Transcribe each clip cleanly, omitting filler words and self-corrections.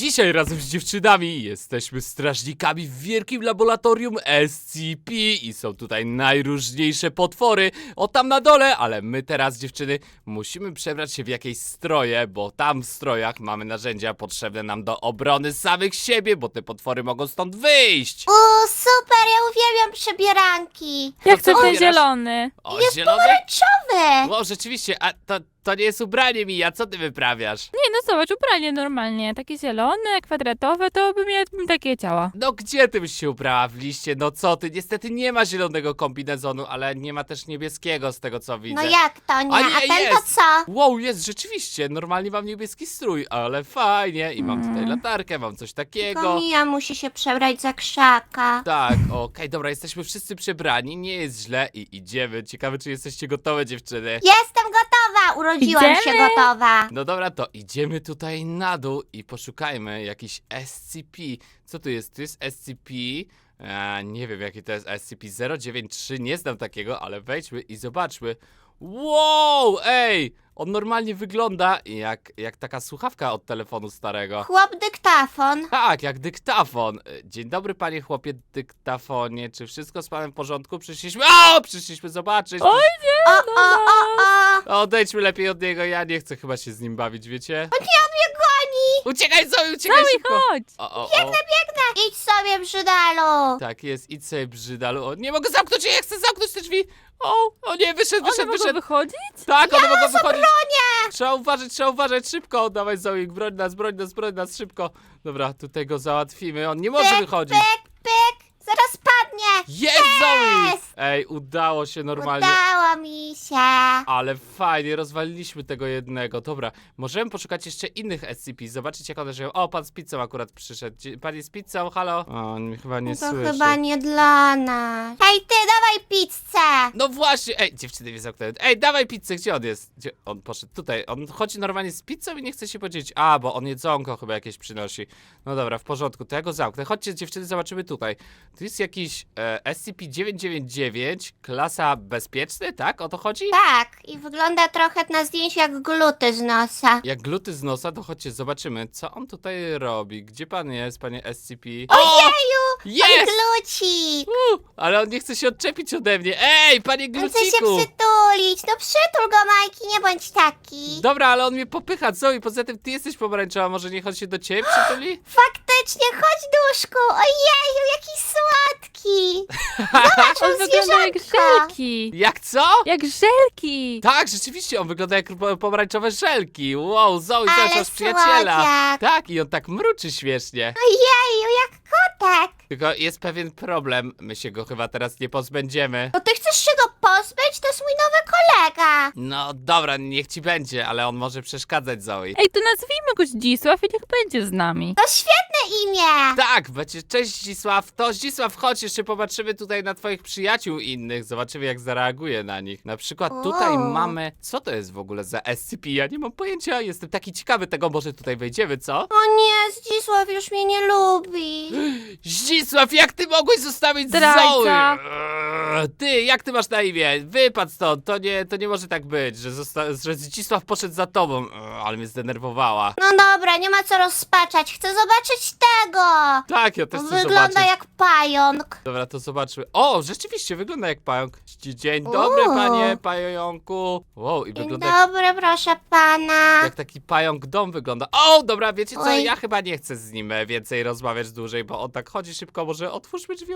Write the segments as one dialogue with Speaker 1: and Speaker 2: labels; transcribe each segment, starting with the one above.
Speaker 1: dzisiaj razem z dziewczynami jesteśmy strażnikami w wielkim laboratorium SCP i są tutaj najróżniejsze potwory, o tam na dole, ale my teraz, dziewczyny, musimy przebrać się w jakieś stroje, bo tam w strojach mamy narzędzia potrzebne nam do obrony samych siebie, bo te potwory mogą stąd wyjść.
Speaker 2: Super, ja uwielbiam przebieranki.
Speaker 3: Ja chcę ten
Speaker 1: wybierasz?
Speaker 3: zielony.
Speaker 1: O,
Speaker 2: Jest
Speaker 1: zielony?
Speaker 2: pomarańczowy.
Speaker 1: O, rzeczywiście, a to nie jest ubranie, Mija, co ty wyprawiasz?
Speaker 3: Nie, no zobacz, ubranie normalnie. Takie zielone, kwadratowe, to bym ja takie chciała.
Speaker 1: No gdzie ty byś się ubrała w liście? No co ty? Niestety nie ma zielonego kombinezonu, ale nie ma też niebieskiego z tego co widzę.
Speaker 2: No jak to nie?
Speaker 1: A nie,
Speaker 2: A ten to
Speaker 1: jest.
Speaker 2: co?
Speaker 1: Wow, jest rzeczywiście, normalnie mam niebieski strój, ale fajnie i mam tutaj latarkę, mam coś takiego.
Speaker 2: Tylko Mija musi się przebrać za krzaka.
Speaker 1: Tak, okej, dobra, jesteśmy wszyscy przebrani, nie jest źle i idziemy. Ciekawe, czy jesteście gotowe, dziewczyny.
Speaker 2: Jestem gotowa, urodziłam się
Speaker 3: Idziemy.
Speaker 2: gotowa.
Speaker 1: No dobra, to idziemy tutaj na dół i poszukajmy jakiś SCP. Co tu jest? Tu jest SCP. Nie wiem, jaki to jest SCP-093, nie znam takiego, ale wejdźmy i zobaczmy. Wow, ej! On normalnie wygląda jak taka słuchawka od telefonu starego.
Speaker 2: Chłop dyktafon.
Speaker 1: Tak, jak dyktafon. Dzień dobry, panie chłopie dyktafonie. Czy wszystko z panem w porządku? Przyszliśmy zobaczyć.
Speaker 3: Oj,
Speaker 2: O.
Speaker 1: Odejdźmy lepiej od niego, ja nie chcę chyba się z nim bawić, wiecie?
Speaker 2: On mnie goni.
Speaker 1: Uciekaj, Zoe, uciekaj
Speaker 3: Zoe,
Speaker 1: szybko!
Speaker 3: chodź!
Speaker 1: O.
Speaker 2: Idź sobie, brzydalu.
Speaker 1: Tak jest, idź sobie brzydalu. O, nie mogę zamknąć, ja chcę zamknąć te drzwi! O nie, wyszedł.
Speaker 3: One mogą wychodzić?
Speaker 1: Tak, one mogą wychodzić. Trzeba uważać, szybko. Dawaj, Zoe, broń nas, szybko. Dobra, tutaj go załatwimy, on nie może wychodzić.
Speaker 2: Pyk. Zaraz padnie.
Speaker 1: Jest, Zoe! Ej, udało się normalnie.
Speaker 2: Udało mi się.
Speaker 1: Ale fajnie, rozwaliliśmy tego jednego. Dobra, możemy poszukać jeszcze innych SCP, zobaczyć jak one żyją. O, pan z pizzą akurat przyszedł. Pan jest z pizzą, halo? O, on mnie chyba nie
Speaker 2: To
Speaker 1: słyszy.
Speaker 2: chyba nie dla nas. Hej ty, dawaj pizzę.
Speaker 1: No właśnie, ej, dziewczyny mnie zamknęły. Ej, dawaj pizzę, gdzie on jest? Gdzie on poszedł? Tutaj, on chodzi normalnie z pizzą i nie chce się podzielić. A, bo on jedzonko chyba jakieś przynosi. No dobra, w porządku, to ja go zamknę. Chodźcie, dziewczyny, zobaczymy tutaj. Tu jest jakiś SCP-999, klasa bezpieczny, tak? O to chodzi?
Speaker 2: Tak, i wygląda trochę na zdjęciu jak gluty z nosa.
Speaker 1: Jak gluty z nosa, to chodźcie, zobaczymy, co on tutaj robi. Gdzie pan jest, panie SCP?
Speaker 2: Ojeju, on
Speaker 1: Jest!
Speaker 2: gluci.
Speaker 1: Ale on nie chce się odczepić ode mnie. Ej, panie
Speaker 2: On chce się
Speaker 1: gluciku!
Speaker 2: przytulić. No przytul go, Majki, nie bądź taki.
Speaker 1: Dobra, ale on mnie popycha, co? I poza tym ty jesteś pomarańczowa, może niech on się do ciebie przytuli?
Speaker 2: Faktycznie, chodź duszku. Ojeju, jaki słodki. Zobacz,
Speaker 3: On
Speaker 2: on
Speaker 3: wygląda jak
Speaker 2: zwierzęko.
Speaker 3: żelki.
Speaker 1: Jak co?
Speaker 3: Jak żelki.
Speaker 1: Tak, rzeczywiście, on wygląda jak pomarańczowe żelki. Wow, Zoe,
Speaker 2: Ale
Speaker 1: zobacz, masz przyjaciela.
Speaker 2: słodziak.
Speaker 1: Tak, i on tak mruczy śmiesznie.
Speaker 2: Ojeju, jak kotek.
Speaker 1: Tylko jest pewien problem, my się go chyba teraz nie pozbędziemy.
Speaker 2: No ty chcesz się go pozbyć? To jest mój nowy kolega.
Speaker 1: No dobra, niech ci będzie, ale on może przeszkadzać Zoe.
Speaker 3: Ej, to nazwijmy go Zdzisław i niech będzie z nami.
Speaker 2: To świetne imię.
Speaker 1: Tak, będzie, cześć Zdzisław. To Zdzisław, chodź, jeszcze popatrzymy tutaj na twoich przyjaciół innych. Zobaczymy jak zareaguje na nich. Na przykład tutaj
Speaker 2: O.
Speaker 1: mamy, co to jest w ogóle za SCP? Ja nie mam pojęcia, jestem taki ciekawy tego, może tutaj wejdziemy, co?
Speaker 2: O nie, Zdzisław już mnie nie lubi.
Speaker 1: Zdzisław, jak ty mogłeś zostawić
Speaker 3: Zdrajca.
Speaker 1: Zoe? Ty, jak ty masz na imię? Wypadł stąd, to nie może tak być, że Zdzisław poszedł za tobą. Ale mnie zdenerwowała.
Speaker 2: No dobra, nie ma co rozpaczać. Chcę zobaczyć tego.
Speaker 1: Tak, ja też chcę
Speaker 2: Wygląda
Speaker 1: zobaczyć.
Speaker 2: jak pająk.
Speaker 1: Dobra, to zobaczmy. O, rzeczywiście, wygląda jak pająk. Dzień dobry, panie pająku. Wow, i
Speaker 2: Dzień
Speaker 1: wygląda jak,
Speaker 2: dobry, proszę pana.
Speaker 1: jak taki pająk dom wygląda. O, dobra, wiecie co,
Speaker 2: Oj.
Speaker 1: ja chyba nie chcę z nim więcej rozmawiać dłużej, bo on tak chodzi szybko, może otwórzmy drzwi.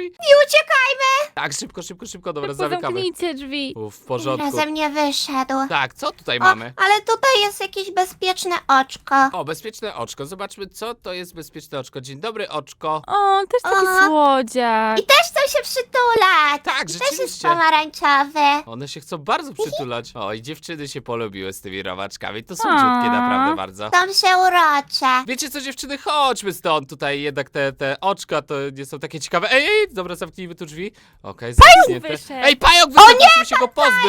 Speaker 2: I uciekajmy.
Speaker 1: Tak, szybko, dobra, zamykamy.
Speaker 3: Zamknijcie drzwi.
Speaker 1: W porządku.
Speaker 2: Razem nie wyszedł.
Speaker 1: Tak, co tutaj
Speaker 2: O,
Speaker 1: mamy?
Speaker 2: ale tutaj jest jakieś bezpieczne oczko.
Speaker 1: O, bezpieczne oczko. Zobaczmy, co to jest bezpieczne oczko. Dzień dobry, oczko.
Speaker 3: O, też taki
Speaker 2: Aha.
Speaker 3: słodziak.
Speaker 2: I też chcą się przytulać.
Speaker 1: Tak,
Speaker 2: I też jest
Speaker 1: rzeczywiście.
Speaker 2: pomarańczowy.
Speaker 1: One się chcą bardzo przytulać. O, i dziewczyny się polubiły z tymi robaczkami. To słodziutkie naprawdę bardzo.
Speaker 2: Są się urocze.
Speaker 1: Wiecie co, dziewczyny, chodźmy stąd. Tutaj jednak te oczka to nie są takie ciekawe. Ej, dobra, zamknijmy tu drzwi. Okej, zamknięte.
Speaker 3: wyszedł.
Speaker 1: Ej, pająk wyszedł, musimy się go pozbyć.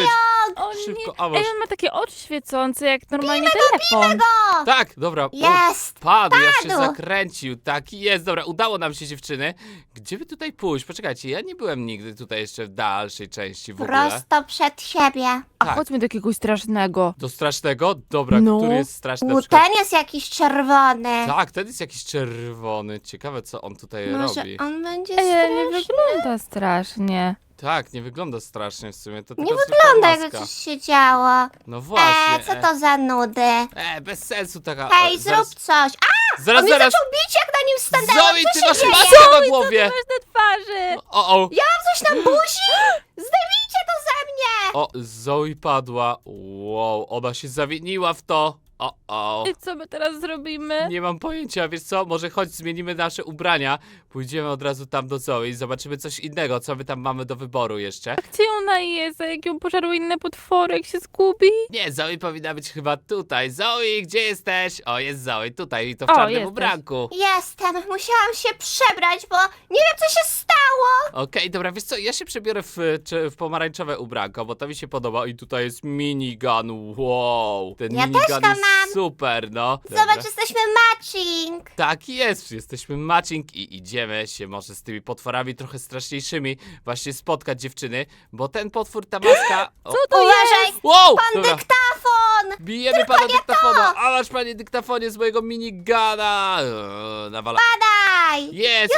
Speaker 3: O
Speaker 1: Szybko,
Speaker 3: nie.
Speaker 1: a masz.
Speaker 3: Ej, on ma takie oczy świecące, jak normalnie telefon.
Speaker 2: O,
Speaker 1: Tak, dobra.
Speaker 2: jest.
Speaker 1: Padł, jak się
Speaker 2: Padł.
Speaker 1: zakręcił. Tak jest, dobra, udało nam się, dziewczyny. Gdzie by tutaj pójść? Poczekajcie, ja nie byłem nigdy tutaj jeszcze w dalszej części w ogóle.
Speaker 2: Prosto przed siebie.
Speaker 3: A
Speaker 1: Tak.
Speaker 3: chodźmy do jakiegoś strasznego.
Speaker 1: Do strasznego? Dobra,
Speaker 3: No.
Speaker 1: który jest straszny? Na
Speaker 2: U,
Speaker 1: przykład...
Speaker 2: ten jest jakiś czerwony.
Speaker 1: Tak, ten jest jakiś czerwony. Ciekawe, co on tutaj
Speaker 2: Może
Speaker 1: robi.
Speaker 2: on będzie
Speaker 3: Ej, nie
Speaker 2: straszny.
Speaker 3: wygląda strasznie.
Speaker 1: Tak, nie wygląda strasznie w sumie. To
Speaker 2: Nie
Speaker 1: tylko
Speaker 2: wygląda,
Speaker 1: zwykła
Speaker 2: jakby
Speaker 1: maska.
Speaker 2: coś się działo.
Speaker 1: No właśnie.
Speaker 2: Co to za nudy?
Speaker 1: Bez sensu taka.
Speaker 2: Hej,
Speaker 1: zaraz,
Speaker 2: zrób coś. A,
Speaker 1: Zaraz,
Speaker 2: on mnie
Speaker 1: zaraz.
Speaker 2: zaczął bić, jak na nim stanęłam.
Speaker 1: Zoe,
Speaker 2: Co
Speaker 1: ty
Speaker 2: się
Speaker 1: masz
Speaker 2: dzieje?
Speaker 1: maskę na głowie!
Speaker 3: Masz na twarzy.
Speaker 1: O.
Speaker 2: Ja mam coś na buzi? Zdejmijcie to ze mnie!
Speaker 1: O, Zoe padła. Wow, ona się zawiniła w to. O.
Speaker 3: I co my teraz zrobimy?
Speaker 1: Nie mam pojęcia, wiesz co? Może chodź, zmienimy nasze ubrania. Pójdziemy od razu tam do Zoe i zobaczymy coś innego, co my tam mamy do wyboru jeszcze.
Speaker 3: Gdzie ona jest? A jak ją pożarły inne potwory, jak się zgubi?
Speaker 1: Nie, Zoe powinna być chyba tutaj. Zoe, gdzie jesteś? O, jest Zoe, tutaj i to w
Speaker 3: O,
Speaker 1: czarnym
Speaker 3: jesteś.
Speaker 1: ubranku.
Speaker 2: Jestem, musiałam się przebrać, bo nie wiem, co się stało.
Speaker 1: Okej, dobra, wiesz co, ja się przebiorę w pomarańczowe ubranko, bo to mi się podoba i tutaj jest minigun, wow. Ten
Speaker 2: Ja
Speaker 1: minigun
Speaker 2: też go
Speaker 1: jest
Speaker 2: mam.
Speaker 1: super, no. Dobra.
Speaker 2: Zobacz, jesteśmy matching.
Speaker 1: Tak jest, jesteśmy matching i idziemy się może z tymi potworami trochę straszniejszymi właśnie spotkać dziewczyny, bo ten potwór, ta maska... O,
Speaker 3: Co to
Speaker 2: Uważaj,
Speaker 3: jest?
Speaker 1: wow,
Speaker 2: pan
Speaker 1: dobra,
Speaker 2: dyktafon.
Speaker 1: bijemy pana dyktafona, a masz panie dyktafonie z mojego minigana. Nawala.
Speaker 2: Daj.
Speaker 1: Jest,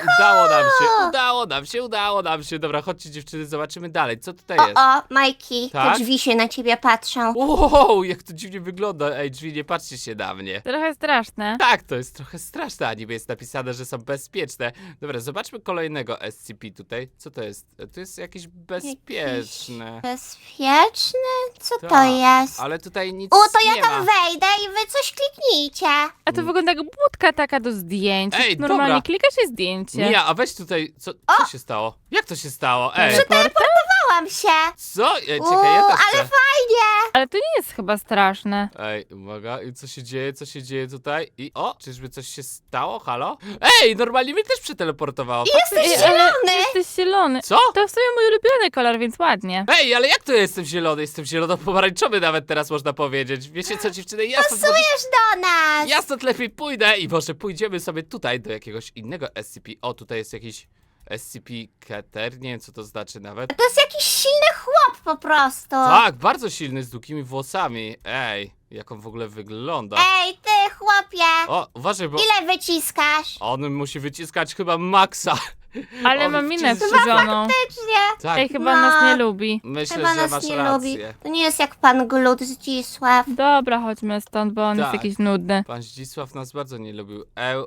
Speaker 1: udało nam się. Dobra, chodźcie dziewczyny, zobaczymy dalej, co tutaj jest.
Speaker 2: O, Majki,
Speaker 1: Tak?
Speaker 2: te drzwi się na ciebie patrzą.
Speaker 1: Wow, jak to dziwnie wygląda. Ej, drzwi, nie patrzcie się na mnie.
Speaker 3: Trochę straszne.
Speaker 1: Tak, to jest trochę straszne, a niby jest napisane, że są bezpieczne. Dobra, zobaczmy kolejnego SCP tutaj. Co to jest? To jest jakieś bezpieczne.
Speaker 2: Bezpieczny? Co to
Speaker 1: Tak,
Speaker 2: jest?
Speaker 1: Ale tutaj nic
Speaker 2: to ja
Speaker 1: nie
Speaker 2: tam
Speaker 1: ma.
Speaker 2: wejdę i wy coś kliknijcie.
Speaker 3: A to wygląda jak budka taka do zdjęć.
Speaker 1: Ej,
Speaker 3: Normalnie
Speaker 1: dobra.
Speaker 3: klikasz i zdjęcie.
Speaker 1: Mija, a weź tutaj, co się stało? Jak to się stało? Ej,
Speaker 2: Bałam się.
Speaker 1: co? Czekaj, ja też
Speaker 2: ale
Speaker 1: chcę.
Speaker 2: fajnie.
Speaker 3: Ale to nie jest chyba straszne.
Speaker 1: Ej, uwaga, i co się dzieje tutaj? I czyżby coś się stało? Halo? Ej, normalnie mnie też przeteleportowało.
Speaker 2: Jesteś
Speaker 3: Ej, ale
Speaker 2: zielony.
Speaker 3: jesteś zielony.
Speaker 1: Co?
Speaker 3: To w sumie mój ulubiony kolor, więc ładnie.
Speaker 1: Ej, ale jak to jestem zielony? Jestem zielono-pomarańczowy nawet teraz można powiedzieć. Wiecie co, dziewczyny? Ja stąd,
Speaker 2: Pasujesz do nas.
Speaker 1: ja stąd lepiej pójdę i może pójdziemy sobie tutaj do jakiegoś innego SCP. O, tutaj jest jakiś SCP-Keter, nie wiem co to znaczy nawet.
Speaker 2: To jest jakiś silny chłop po prostu.
Speaker 1: Tak, bardzo silny, z długimi włosami. Ej, jak on w ogóle wygląda.
Speaker 2: Ej, ty chłopie.
Speaker 1: O, uważaj, bo
Speaker 2: Ile wyciskasz?
Speaker 1: on musi wyciskać chyba maksa.
Speaker 3: Ale
Speaker 1: On
Speaker 3: mam minę
Speaker 1: wciska-
Speaker 3: wkurzoną.
Speaker 2: Faktycznie.
Speaker 1: Tak,
Speaker 3: Ej, chyba
Speaker 2: No.
Speaker 3: nas nie lubi.
Speaker 1: myślę,
Speaker 2: Chyba
Speaker 1: że
Speaker 2: nas
Speaker 1: masz
Speaker 2: nie
Speaker 1: rację.
Speaker 2: lubi. To nie jest jak pan Glut Zdzisław.
Speaker 3: Dobra, chodźmy stąd, bo on jest
Speaker 1: Tak.
Speaker 3: jakiś nudny.
Speaker 1: Pan Zdzisław nas bardzo nie lubił.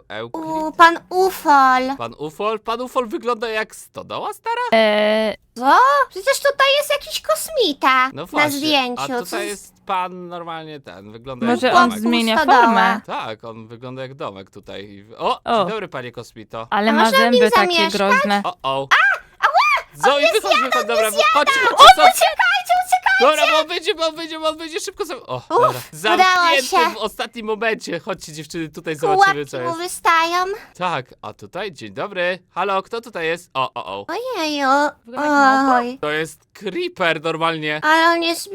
Speaker 2: Pan Ufol.
Speaker 1: Pan Ufol wygląda jak stodoła stara?
Speaker 2: Co? Przecież tutaj jest jakiś kosmita
Speaker 1: No
Speaker 2: na
Speaker 1: właśnie,
Speaker 2: zdjęciu.
Speaker 1: a
Speaker 2: Co
Speaker 1: tutaj jest pan normalnie ten, wygląda
Speaker 3: Może
Speaker 1: jak
Speaker 3: on
Speaker 1: domek.
Speaker 3: zmienia
Speaker 2: Stodoła.
Speaker 3: formę.
Speaker 1: Tak, on wygląda jak domek tutaj. O,
Speaker 3: O.
Speaker 1: dzień dobry panie Kosmito.
Speaker 3: Ale
Speaker 2: A
Speaker 3: ma
Speaker 2: można w nim
Speaker 3: zęby takie
Speaker 2: zamieszkać?
Speaker 3: groźne.
Speaker 1: O. Zoe, wychodź, dobra, chodź,
Speaker 2: Uciekajcie,
Speaker 1: dobra, bo on będzie szybko o, dobra.
Speaker 2: udało
Speaker 1: Zamknięty
Speaker 2: się.
Speaker 1: w ostatnim momencie. Chodźcie dziewczyny, tutaj zobaczymy
Speaker 2: Pułapki
Speaker 1: co
Speaker 2: mu
Speaker 1: jest.
Speaker 2: wystają.
Speaker 1: Tak, a tutaj, dzień dobry. Halo, kto tutaj jest? O.
Speaker 2: Ojeju.
Speaker 3: Wygląda jak
Speaker 2: Oj.
Speaker 1: To jest Creeper normalnie.
Speaker 2: Ale on jest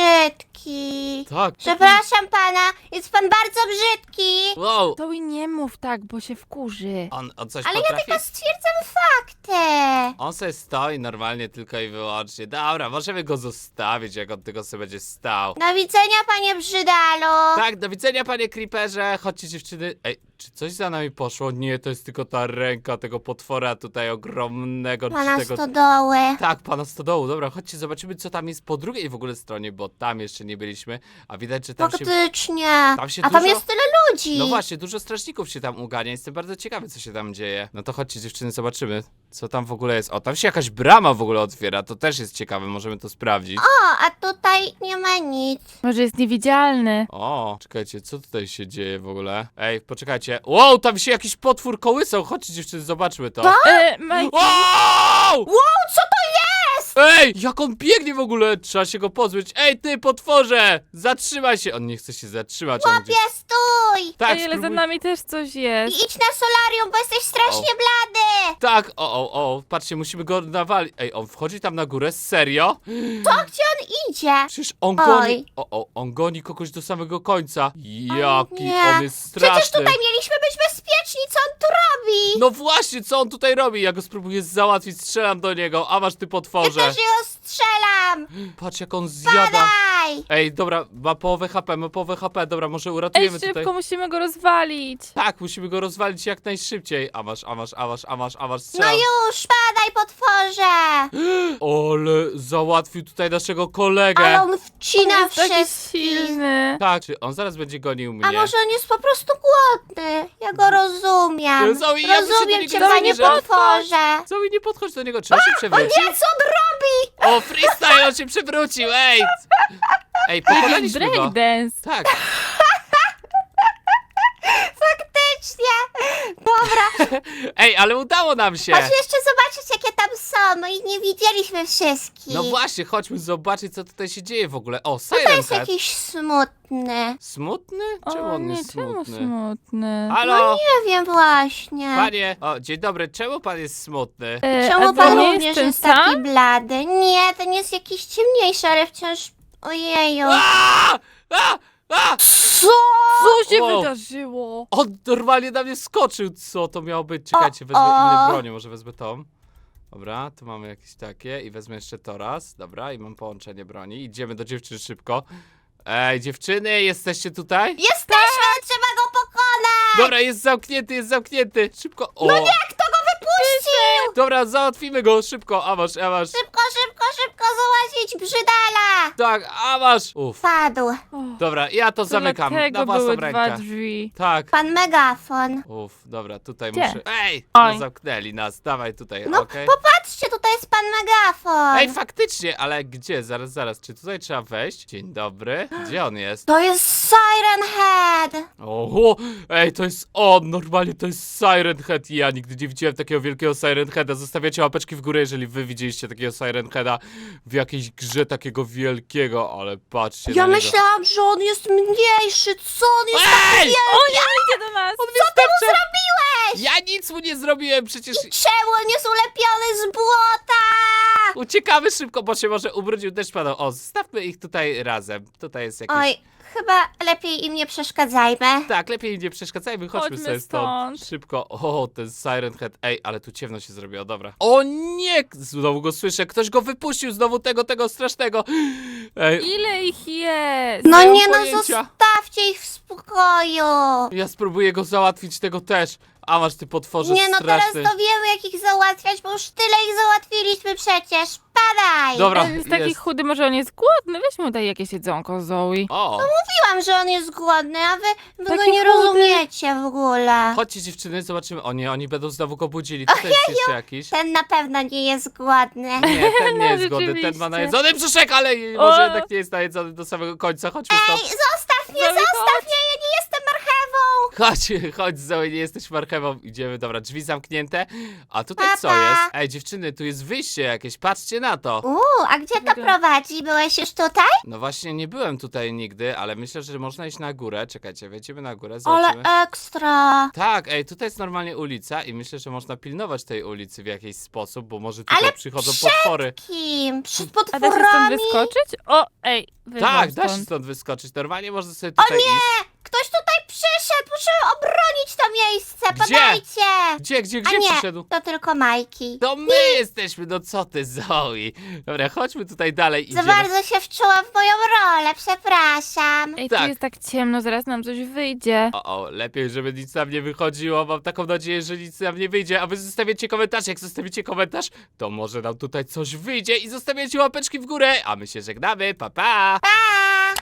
Speaker 2: brzydki.
Speaker 1: Tak.
Speaker 2: Przepraszam pana, jest pan bardzo brzydki.
Speaker 1: Wow.
Speaker 3: To i nie mów tak, bo się wkurzy.
Speaker 1: On coś
Speaker 2: Ale ja
Speaker 1: potrafi?
Speaker 2: tylko stwierdzam fakty.
Speaker 1: On se stoi normalnie tylko i wyłącznie. Dobra, możemy go zostawić, jak on tylko sobie będzie stał.
Speaker 2: Do widzenia, panie Brzydalu.
Speaker 1: Tak, do widzenia panie Creeperze. Chodźcie dziewczyny. Ej, czy coś za nami poszło? Nie, to jest tylko ta ręka tego potwora tutaj ogromnego. czy
Speaker 2: Pana
Speaker 1: tego...
Speaker 2: stodoły.
Speaker 1: Tak, pana stodołu. Dobra, chodźcie, zobaczymy co tam jest po drugiej w ogóle stronie, bo tam jeszcze nie byliśmy. A widać, że tam się...
Speaker 2: Faktycznie.
Speaker 1: Tam się
Speaker 2: A tam
Speaker 1: dużo-
Speaker 2: jest tyle ludzi.
Speaker 1: No właśnie, dużo strażników się tam ugania. Jestem bardzo ciekawy, co się tam dzieje. No to chodźcie dziewczyny, zobaczymy, co tam w ogóle jest. O, tam się jakaś brama w ogóle otwiera. To też jest ciekawe, możemy to sprawdzić.
Speaker 2: O, a tutaj nie ma nic.
Speaker 3: Może jest niewidzialny.
Speaker 1: O, czekajcie, co tutaj się dzieje w ogóle? Ej, poczekajcie. Wow, tam się jakiś potwór kołysał. Chodźcie dziewczyny, zobaczmy to.
Speaker 3: Majki,
Speaker 1: Wow!
Speaker 2: Wow, co to jest?
Speaker 1: Ej, jak on biegnie w ogóle! Trzeba się go pozbyć. Ej, ty potworze! Zatrzymaj się! On nie chce się zatrzymać. On gdzieś...
Speaker 2: Ja stój!
Speaker 1: Tak,
Speaker 3: Ej, ale za
Speaker 1: spróbuj...
Speaker 3: nami też coś
Speaker 2: I
Speaker 3: jest.
Speaker 2: idź na solarium, bo jesteś strasznie blady!
Speaker 1: Tak, o, patrzcie, musimy go nawalić. Ej, on wchodzi tam na górę? Serio?
Speaker 2: Gdzie on idzie?
Speaker 1: Przecież on
Speaker 2: Oj.
Speaker 1: goni... on goni kogoś do samego końca. Jaki
Speaker 2: nie.
Speaker 1: on jest straszny.
Speaker 2: Przecież tutaj mieliśmy być bezpieczni, co on tu robi?
Speaker 1: No właśnie, co on tutaj robi? Ja go spróbuję załatwić, strzelam do niego, a masz ty
Speaker 2: Ja
Speaker 1: potworze.
Speaker 2: też ją strzelam!
Speaker 1: Patrz jak on zjada.
Speaker 2: Daj!
Speaker 1: Ej, dobra, ma połowę HP, dobra, może
Speaker 3: Ej,
Speaker 1: uratujemy
Speaker 3: szybko,
Speaker 1: tutaj.
Speaker 3: musimy go rozwalić.
Speaker 1: Tak, musimy go rozwalić jak najszybciej. A masz,
Speaker 2: No
Speaker 1: strzelam.
Speaker 2: już, padaj potworze!
Speaker 1: Ale załatwił tutaj naszego kolegę.
Speaker 2: Ale on wcina
Speaker 3: On jest taki
Speaker 2: wszystkich.
Speaker 3: silny.
Speaker 1: Tak, czy on zaraz będzie gonił mnie?
Speaker 2: A może on jest po prostu głodny? Ja go rozumiem.
Speaker 1: Zoe, ja bym się do
Speaker 2: Rozumiem
Speaker 1: niego
Speaker 2: cię,
Speaker 1: nie
Speaker 2: panie
Speaker 1: zbliżał.
Speaker 2: potworze.
Speaker 1: Zoe, nie podchodź do niego, trzeba się przewrócić.
Speaker 2: Nie, co on robi?
Speaker 1: O, freestyle, on się przewrócił, ej! Ej, pokonaliśmy go.
Speaker 3: Breakdance.
Speaker 1: Tak,
Speaker 2: Faktycznie. Dobra,
Speaker 1: ej, ale udało nam się.
Speaker 2: chodź jeszcze zobaczyć, jakie tam są. No i nie widzieliśmy wszystkich.
Speaker 1: No właśnie, chodźmy zobaczyć, co tutaj się dzieje w ogóle. O,
Speaker 2: To
Speaker 1: Siren
Speaker 2: jest
Speaker 1: Head.
Speaker 2: jakiś smutny.
Speaker 1: Smutny? Czemu
Speaker 3: O
Speaker 1: on
Speaker 3: nie,
Speaker 1: jest
Speaker 3: czemu
Speaker 1: smutny?
Speaker 3: smutny?
Speaker 1: Halo?
Speaker 2: Nie wiem właśnie.
Speaker 1: Panie, o, dzień dobry, czemu pan jest smutny?
Speaker 2: Czemu
Speaker 3: a to
Speaker 2: pan
Speaker 3: nie
Speaker 2: również
Speaker 3: ten
Speaker 2: jest taki
Speaker 3: sam?
Speaker 2: blady? Nie, ten jest jakiś ciemniejszy, ale wciąż... Ojeju.
Speaker 1: A! A! A!
Speaker 2: Co?
Speaker 3: Co się
Speaker 1: Wow.
Speaker 3: wydarzyło?
Speaker 1: On normalnie na mnie skoczył, co to miało być? Czekajcie, wezmę
Speaker 2: O.
Speaker 1: inne bronie, może wezmę tą. Dobra, tu mamy jakieś takie i wezmę jeszcze to raz. Dobra, i mam połączenie broni. Idziemy do dziewczyn szybko. Ej, dziewczyny, jesteście tutaj?
Speaker 2: Jesteśmy, trzeba go pokonać!
Speaker 1: Dobra, jest zamknięty. Szybko. O,
Speaker 2: Kto go wypuścił?
Speaker 1: dobra, załatwimy go, szybko, a masz.
Speaker 2: Szybko załatwić brzydala!
Speaker 1: Tak, a masz. Uff.
Speaker 2: Padł.
Speaker 1: Dobra, ja to zamykam na
Speaker 3: Dlatego
Speaker 1: własną
Speaker 3: były
Speaker 1: rękę.
Speaker 3: dwa drzwi.
Speaker 1: Tak.
Speaker 2: Pan megafon.
Speaker 1: Uff, dobra, tutaj
Speaker 3: Gdzie?
Speaker 1: muszę. Ej!
Speaker 3: Oj.
Speaker 1: No zamknęli nas, dawaj tutaj,
Speaker 2: No
Speaker 1: okej.
Speaker 2: popatrzcie, tutaj jest pan megafon.
Speaker 1: Ej, faktycznie, ale gdzie? Zaraz, czy tutaj trzeba wejść? Dzień dobry. Gdzie on jest?
Speaker 2: To jest Siren Head.
Speaker 1: Oho! Ej, to jest on! Normalnie to jest Siren Head i ja nigdy nie widziałem takiego wielkiego Siren Heada. Zostawiacie łapeczki w górę, jeżeli wy widzieliście takiego Siren Heada w jakiejś grze takiego wielkiego, ale patrzcie
Speaker 2: Ja
Speaker 1: na niego.
Speaker 2: myślałam, że on jest mniejszy. Co on jest taki
Speaker 1: Ej!
Speaker 2: wielki?
Speaker 3: O nie, idzie do nas!
Speaker 1: Co ty mu
Speaker 2: Zrobiłeś?
Speaker 1: Ja nic mu nie zrobiłem, przecież
Speaker 2: Czemu on jest ulepiony z błota?
Speaker 1: uciekamy szybko, bo się może ubrudził deszcz padał. O, zostawmy ich tutaj razem. Tutaj jest jakiś...
Speaker 2: Oj, chyba lepiej im nie przeszkadzajmy.
Speaker 1: Tak, lepiej nie przeszkadzajmy, chodźmy
Speaker 3: Chodźmy
Speaker 1: sobie stąd.
Speaker 3: stąd.
Speaker 1: Szybko. O, ten Siren Head. Ej, ale tu ciemno się zrobiło, dobra. O nie! Znowu go słyszę, ktoś go wypuścił, znowu tego strasznego. Ej,
Speaker 3: Ile ich jest?
Speaker 2: No
Speaker 1: Nie mam
Speaker 2: nie no,
Speaker 1: pojęcia.
Speaker 2: zostawcie ich w spokoju.
Speaker 1: ja spróbuję go załatwić, tego też. A masz ty potworze
Speaker 2: Nie no, teraz
Speaker 1: straszny.
Speaker 2: to wiemy jak ich załatwiać, bo już tyle ich załatwiliśmy przecież. Padaj!
Speaker 1: Dobra,
Speaker 3: On jest taki
Speaker 1: jest.
Speaker 3: chudy, może on jest głodny? Weź mu daj jakieś jedzonko, Zoe.
Speaker 1: O,
Speaker 2: Mówiłam, że on jest głodny, a wy go
Speaker 3: Taki
Speaker 2: nie
Speaker 3: chudy.
Speaker 2: rozumiecie w ogóle.
Speaker 1: chodźcie dziewczyny, zobaczymy. O nie, oni będą znowu go budzili. Tutaj jest jeszcze jakiś.
Speaker 2: Ten na pewno nie jest głodny.
Speaker 1: Nie, ten nie
Speaker 3: No,
Speaker 1: jest głodny, ten ma
Speaker 3: rzeczywiście.
Speaker 1: najedzony brzuszek, ale może
Speaker 3: O.
Speaker 1: jednak nie jest najedzony do samego końca. Chodźmy
Speaker 2: Ej,
Speaker 1: stąd.
Speaker 2: zostaw mnie,
Speaker 3: Zoe,
Speaker 2: zostaw mnie, ja nie jestem marchewą.
Speaker 1: Chodź Zoe, nie jesteś marchewą. Idziemy, dobra, drzwi zamknięte. A tutaj
Speaker 2: Pa,
Speaker 1: co
Speaker 2: pa.
Speaker 1: jest? Ej, dziewczyny, tu jest wyjście jakieś, patrzcie na to.
Speaker 2: A gdzie to prowadzi? Byłeś już tutaj?
Speaker 1: No właśnie, nie byłem tutaj nigdy, ale myślę, że można iść na górę. Czekajcie, wejdziemy na górę,
Speaker 2: Ale
Speaker 1: zobaczymy.
Speaker 2: ekstra.
Speaker 1: Tak, ej, tutaj jest normalnie ulica i myślę, że można pilnować tej ulicy w jakiś sposób, bo może tutaj
Speaker 2: Ale
Speaker 1: przychodzą
Speaker 2: przed
Speaker 1: potwory.
Speaker 2: Kim? Przed
Speaker 3: A da się stąd
Speaker 2: potworami?
Speaker 3: wyskoczyć? O, ej, wyszłam
Speaker 1: Tak, da się
Speaker 3: stąd.
Speaker 1: stąd wyskoczyć. Normalnie można sobie tutaj iść.
Speaker 2: Ktoś tutaj przyszedł, muszę obronić to miejsce,
Speaker 1: Gdzie?
Speaker 2: podajcie.
Speaker 1: Gdzie
Speaker 2: A nie,
Speaker 1: przyszedł?
Speaker 2: to tylko Majki.
Speaker 1: To my jesteśmy, no co ty, Zoe? Dobra, chodźmy tutaj dalej,
Speaker 2: Za
Speaker 1: idziemy.
Speaker 2: bardzo się wczułam w moją rolę, przepraszam.
Speaker 3: Ej,
Speaker 1: Tak.
Speaker 3: tu jest tak ciemno, zaraz nam coś wyjdzie.
Speaker 1: O, lepiej, żeby nic nam nie wychodziło. Mam taką nadzieję, że nic nam nie wyjdzie. A wy zostawiacie komentarz. Jak zostawicie komentarz, to może nam tutaj coś wyjdzie. I zostawiacie łapeczki w górę. A my się żegnamy. Pa, pa!
Speaker 2: Pa!